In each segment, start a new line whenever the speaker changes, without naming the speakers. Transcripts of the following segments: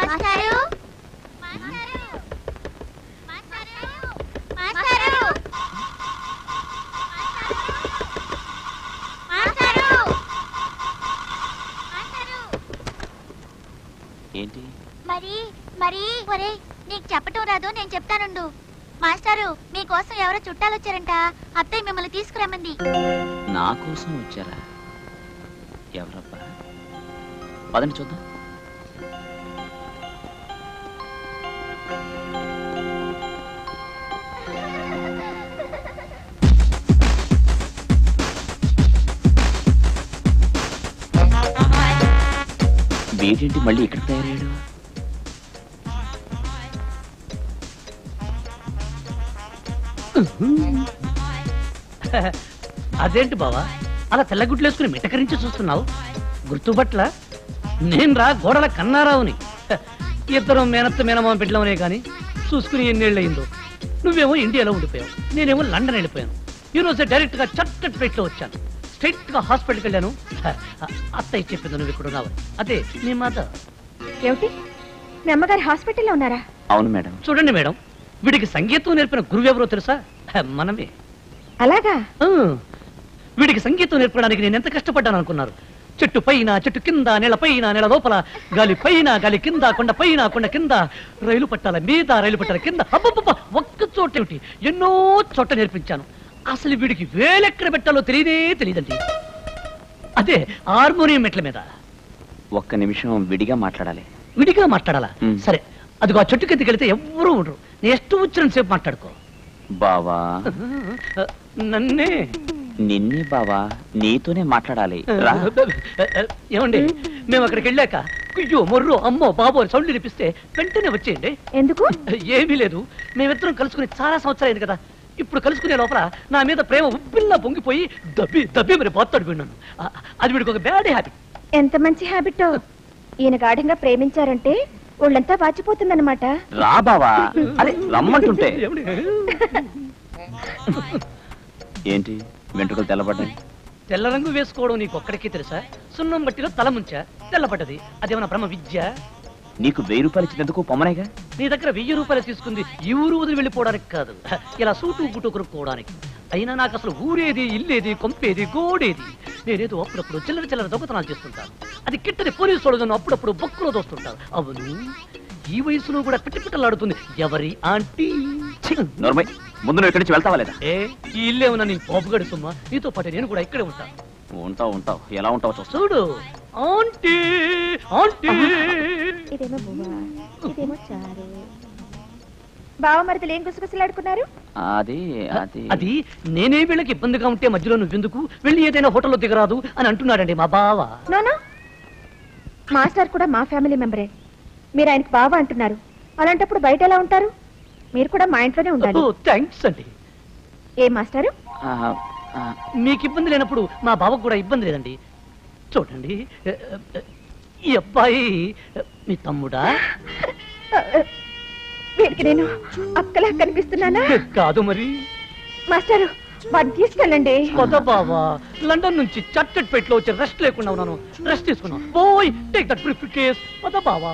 ఏంటి
మరి మరి ఒరే నీకు చెప్పటం రాదు, నేను చెప్తానుండు. మాస్టారు మీకోసం ఎవరో చుట్టాలు వచ్చారంట, అత్తయ్య మిమ్మల్ని తీసుకురమ్మంది.
నా కోసం వచ్చారా? ఎవరబ్బా? పదండి చూద్దాం. వీడేంటి మళ్ళీ ఇక్కడ తయారయ్యాడు?
అదేంటి బావా అలా తెల్లగుడ్లు వేసుకుని మిటకరించి చూస్తున్నావు? గుర్తుపట్ల నేను రా గోడల కన్నారావుని. ఇద్దరం మేనత్త మేనమామ బిడ్డలమనే కానీ చూసుకుని ఎన్నేళ్ళయిందో. నువ్వేమో ఇండియాలో ఉండిపోయావు, నేనేమో లండన్ వెళ్ళిపోయాను. ఈరోజు డైరెక్ట్ గా చట్టపేటలో వచ్చాను. స్ట్రైట్ గా హాస్పిటల్కి వెళ్ళాను. అత్తయ్య చెప్పింది నువ్వు ఇక్కడ ఉన్నావు. అదే నీ మాట.
ఏమిటి మీ అమ్మగారు హాస్పిటల్లో ఉన్నారా?
అవును మేడం.
చూడండి మేడం, వీడికి సంగీతం నేర్పిన గురువు ఎవరో తెలుసా? మనమే.
అలాగా?
వీడికి సంగీతం నేర్పడానికి నేను ఎంత కష్టపడ్డాను అనుకున్నారు? చెట్టు పైన చెట్టు కింద, నేల పైన నేల లోపల, గాలి పైన గాలి కింద, కొండ పైన కొండ కింద, రైలు పట్టాల మీద రైలు పట్టాల కింద, అబ్బబ్బ ఒక్క చోటేమిటి ఎన్నో చోట నేర్పించాను. అసలు వీడికి వేలెక్కడ పెట్టాలో తెలియదండి. అదే హార్మోనియం మెట్ల మీద.
ఒక్క నిమిషం విడిగా మాట్లాడాలి.
విడిగా మాట్లాడాలా? సరే, అదిగో ఆ చెట్టు కిందకి వెళితే ఎవ్వరూ ఉండరు. నేను ಎಷ್ಟು వచ్చిన సేపు మాట్లాడుకో.
బావా
నన్నే?
నిన్నే బావా, నీతోనే మాట్లాడాలి.
ఏమండి, మేము అక్కడికి వెళ్ళాక అయ్యో మొర్రో అమ్మో బాబో సౌండ్ వినిపిస్తే వెంటనే వచ్చేయండి.
ఎందుకు?
ఏమీ లేదు, మేమిద్దరం కలుసుకుని చాలా సంవత్సరాలు కదా. ఇప్పుడు కలుసుకునే లోపల నా మీద ప్రేమ ఉబ్బిల్లా పొంగిపోయి దబ్బి మరి బాత్తాడు విన్నాను. అది వీడికి ఒక బ్యాడ్ హ్యాబిట్.
ఎంత మంచి హ్యాబిట్! ఈయన గాఢంగా ప్రేమించారంటే ఒళ్ళంతా వాచిపోతుందన్నమాట.
రా బావా, అరే రమ్మంటుంటే. ఏంటి వెంట్రుకలు తెల్లబడ్డాయి?
తెల్ల రంగు వేసుకోవడం నీకు ఒక్కడికి తెలుసా? సున్నం బట్టిలో తల ముంచా తెల్లబడ్డది. అదేమన్నా బ్రహ్మ విద్య?
నీకు 1000 రూపాయలు ఇచ్చినందుకు పొమ్మనేగా.
నీ దగ్గర 1000 రూపాయలు తీసుకుంది ఈ ఊరు వదిలి వెళ్ళిపోవడానికి కాదు, ఇలా సూటు గుట్టు కొనుక్కోవడానికి. అయినా నాకు అసలు ఊరేది, ఇల్లేది, కొంపేది, గోడేది. నేనేదో అప్పుడప్పుడు చిల్లర దొంగతనాలు చేస్తుంటాను. అది కిట్టని పోలీసు వాళ్ళను అప్పుడప్పుడు బొక్కులో దోస్తుంటాను. అవును, ఈ వయసులో కూడా పిట్టలాడుతుంది ఎవరి ఆంటీ.
ముందు నువ్వు ఇక్కడి నుంచి వెళ్తావా లేదా?
ఈ ఇల్లేమన్నా నీ పోపుగడి సుమ్మా? నీతో పాటు నేను కూడా ఇక్కడే ఉంటాను.
ఉంటావు ఎలా ఉంటావు
చూడు. Aunty aunty.
ఇదేమో బువ్వా, ఇదేమో చారు. బావమరిదలు ఏం గుసగుసలాడుకున్నారు?
అది నేనే వీళ్ళకి ఇబ్బందిగా ఉంటే మధ్యలో నువ్వెందుకు వెళ్ళి ఏదైనా హోటల్లో దిగరాదు అని అంటున్నాడండి మా బావ.
నోనో, మాస్టర్ కూడా మా ఫ్యామిలీ మెంబరే. మీరు ఆయనకు బావ అంటున్నారు. అలాంటప్పుడు బయట ఎలా ఉంటారు? మీరు కూడా మా ఇంట్లోనే ఉండాలి.
థ్యాంక్స్ అండి.
ఏ మాస్టారు,
మీకు ఇబ్బంది లేనప్పుడు మా బావకు కూడా ఇబ్బంది లేదండి. చూడండి, ఈ అబ్బాయి మీ తమ్ముడా?
వీరికి నేను అక్కలా కనిపిస్తున్నానా?
కాదు మరి.
మాస్టారు, వాడిని తీసుకెళ్ళండి.
కొత్త బావా, లండన్ నుంచి చట్టపేటలో వచ్చి రెస్ట్ లేకుండా ఉన్నాను. రెస్ట్ తీసుకున్నాను. Boy, take that briefcase. కొత్త బావా.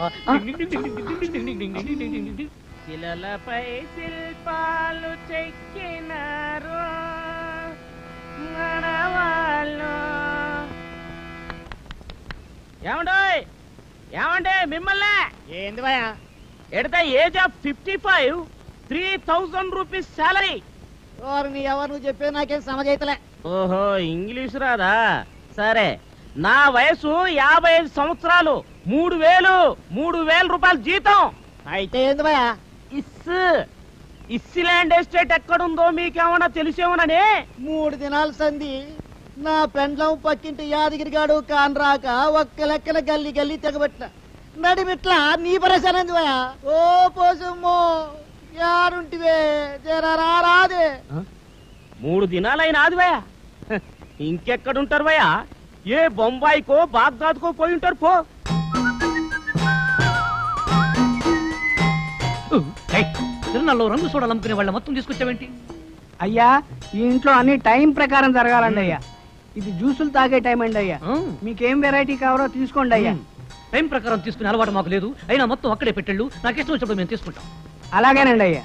శిలలపై శిల్పాలు చెక్కినారు మనవాళ్ళు. ఏమండే మిమ్మల్ని? ఏంది భయ? At the age of 55, 3000 rupees salary.
ఎవరు నువ్వు చెప్పే నాకేం సమజైతలే.
ఓహో, ఇంగ్లీష్ రాదా? సరే, నా వయసు 55 సంవత్సరాలు, 3000 రూపాయలు జీతం.
అయితే ఏంది భయ?
ఇస్లాండ్ ఎస్టేట్ ఎక్కడుందో మీకేమన్నా తెలిసేమోనని
3 దినాల సంధి నా పెండ్లం పక్కింటి యాదగిరిగాడు కాన్రాక ఒక్క లెక్కన గల్లి తెగబెట్టిన నడిమిట్లా నీ పరేశానంది భయ. ఓ పోసమ్మో, యారుంటివే రాదే.
3 దినాలైన అది భయ. ఇంకెక్కడుంటారు భయ? ఏ బొంబాయికో బాగ్దాద్కో పోయి ఉంటారు. పో.
తిరునాళ్ళలో రంగు సోడాలు అమ్ముకునే వాళ్ళ మొత్తం తీసుకొచ్చావేంటి?
అయ్యా, ఈ ఇంట్లో అన్ని టైం ప్రకారం జరగాలండి అయ్యా. ఇది జ్యూసులు తాగే టైం అండి అయ్యా. మీకేం వెరైటీ కావాలో తీసుకోండి అయ్యా.
టైం ప్రకారం తీసుకునే అలవాటు మాకు లేదు. అయినా మొత్తం అక్కడే పెట్టెళ్ళు, నాకు ఇష్టం వచ్చినప్పుడు మేము తీసుకుంటాం.
అలాగేనండి అయ్యా.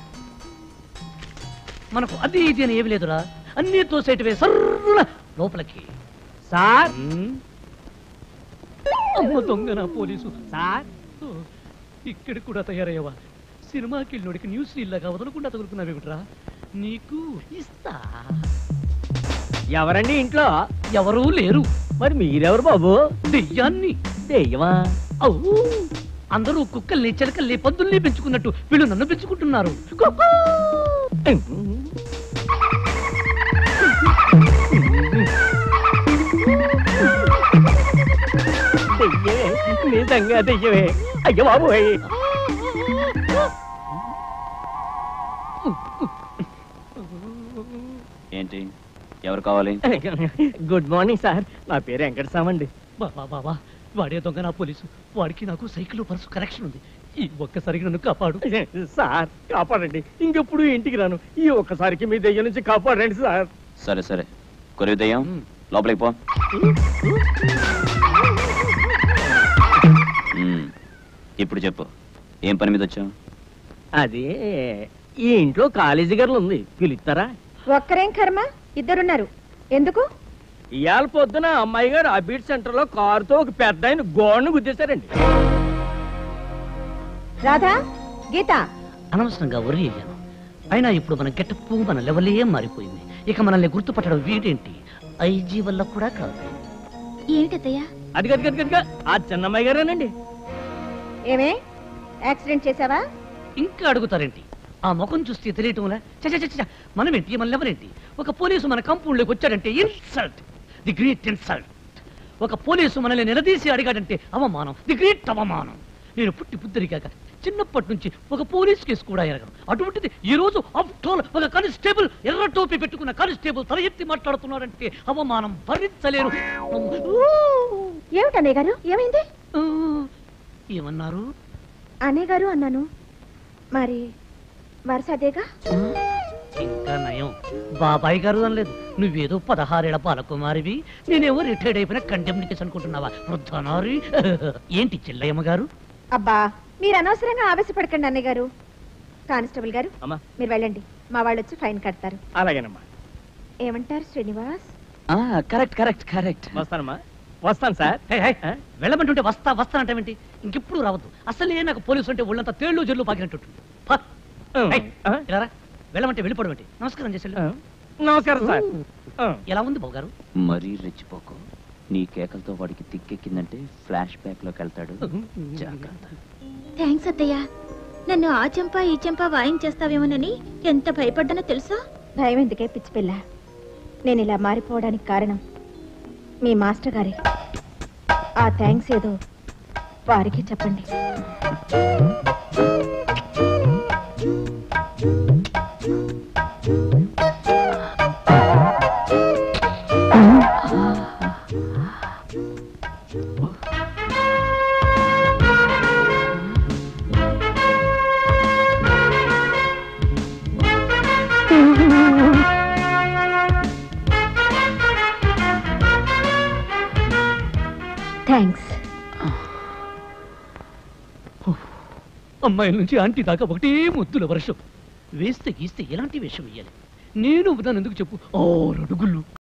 మనకు అది ఇది అని ఏమి లేదురా, అన్నీ తోసేటివే సర్రున లోపలికి.
సార్
అమ్మ దొంగ నా పోలీసు.
సార్
ఓ, ఇక్కడ కూడా తయారయ్యవా? సినిమాకి వెళ్ళినోడికి న్యూస్ ఇల్లాగా వదలకుండా తగులుకున్నావేమిట్రా? నీకు ఇస్తా.
ఎవరండి ఇంట్లో?
ఎవరూ లేరు.
మరి మీరెవరు బాబు?
దెయ్యాన్ని.
దెయ్యమా?
అవు, అందరూ కుక్కల్ని చిలకల్ని పందుల్ని పెంచుకున్నట్టు వీళ్ళు నన్ను పెంచుకుంటున్నారు. కుక్కూ!
దెయ్యమే, నిజంగా దెయ్యమే. అయ్యో బాబు.
ఏంటి, ఎవరు కావాలి?
గుడ్ మార్నింగ్ సార్, నా పేరు వెంకటస్వామి.
బాబా బాబా, వాడే దొంగ నా పోలీసు. వాడికి నాకు సైకిల్ పర్సు కరెక్షన్ ఉంది. ఈ ఒక్కసారికి నన్ను కాపాడు
సార్. కాపాడండి, ఇంకెప్పుడు ఇంటికి రాను. ఈ ఒక్కసారికి మీ దెయ్యం నుంచి కాపాడండి సార్.
సరే సరే, కొరివి దయ్యం, లోపలికి పో. ఇప్పుడు చెప్పు, ఏం పని మీద వచ్చావు?
అది ఈ ఇంట్లో కాలేజీ గర్లు ఉంది, పిలుస్తారా?
ఒక్కరేం కర్మ, ఇద్దరున్నారు. ఎందుకు?
ఇవాళ పొద్దున అమ్మాయి గారు అబీట్ సెంటర్ లో కారుతో ఒక పెద్ద ఆయన గోడను గుద్దేశారండి.
రాధా, గీత,
అనవసరంగా వరి అయ్యాను. అయినా ఇప్పుడు మన గెటప్పు, మన లెవెలే మారిపోయింది. ఇక మనల్ని గుర్తుపట్టడం వీడేంటి, ఐజీ వల్ల కూడా కాదు.
ఏమిటత్తయ్యా?
అది గది గది గదిగా ఆ చిన్నమ్మాయి గారేనండి.
ఏమే యాక్సిడెంట్ చేసావా?
ఇంకా అడుగుతారేంటి? ఆ ముఖం చూస్తే తెలియటంలా? చ మనమేంటి, మన లెవెలేంటి? ఒక పోలీసు మన కంపౌండ్లోకి వచ్చాడంటే ఇన్సల్ట్, ది గ్రేట్ ఇన్సల్ట్. ఒక పోలీసు మనల్ని నిలదీసి అడిగాడంటే అవమానం, ది గ్రేట్ అవమానం. నేను పుట్టి పుద్దరిగాక చిన్నప్పటి నుంచి ఒక పోలీస్ కేసు కూడా ఎరగను. అటువంటిది ఈ రోజు ఆఫ్టర్ ఒక కానిస్టేబుల్, ఎర్ర టోపీ పెట్టుకున్న కానిస్టేబుల్ తల ఎత్తి మాట్లాడుతున్నాడంటే అవమానం భరించలేను.
ఏమిటి అన్నయ్య గారు, ఏమైంది?
ఏమన్నారు?
అన్నయ్య గారు అన్నాను. మరి వరుస అదేగా.
ఇంకా నయం, బాబాయ్ గారు అనలేదు. నువ్వేదో 16 ఏళ్ల బాలకుమారివి, నేనేమో రిటైర్డ్ అయిపోయిన కంటెంప్ట్ అనుకుంటున్నావా? వృద్ధనారి. ఏంటి చెల్లయ్యమ్మ గారు?
అబ్బా, మీరు అనవసరంగా ఆవేశపడకండి అన్నయ్య గారు. కానిస్టేబుల్ గారు,
అమ్మా.
మీరు వెళ్ళండి. మా వాళ్ళు వచ్చి ఫైన్ కడతారు.
అలాగేనమ్మా.
ఏమంటారు శ్రీనివాస్?
Correct correct correct.
వస్తానమ్మా. వస్తాను సార్.
వెళ్ళమంటుంటే వస్తానంటావేంటి? ఇంకెప్పుడు రావద్దు. అసలే నాకు పోలీసు అంటే ఒళ్ళంతా తేళ్లు జల్లు పాకినట్టు. వెళ్ళమంటే వెళ్ళిపోవడం ఏంటి? నమస్కారం చేసి
నమస్కారం సార్.
ఎలా ఉంది బాబు గారు?
మరీ రెచ్చిపోకు. నీ కేకలతో వాడికి తిక్కెక్కిందంటే ఫ్లాష్ బ్యాక్ లోకి వెళ్తాడు. జాగ్రత్త.
థ్యాంక్స్ అత్తయ్య. నన్ను ఆ చెంప ఈ చెంప వాయించేస్తావేమోనని ఎంత భయపడ్డానో తెలుసా?
భయం ఎందుకే పిచ్చి పిల్ల? నేను ఇలా మారిపోవడానికి కారణం మీ మాస్టర్ గారే. ఆ థ్యాంక్స్ ఏదో వారికి చెప్పండి. థ్యాంక్స్.
అమ్మాయిల నుంచి ఆంటీ దాకా ఒకటే ముద్దుల వర్షం. వేస్తే గీస్తే ఎలాంటి వేషం వేయాలి? నేను దాన్ని ఎందుకు చెప్పు? 6 అడుగులు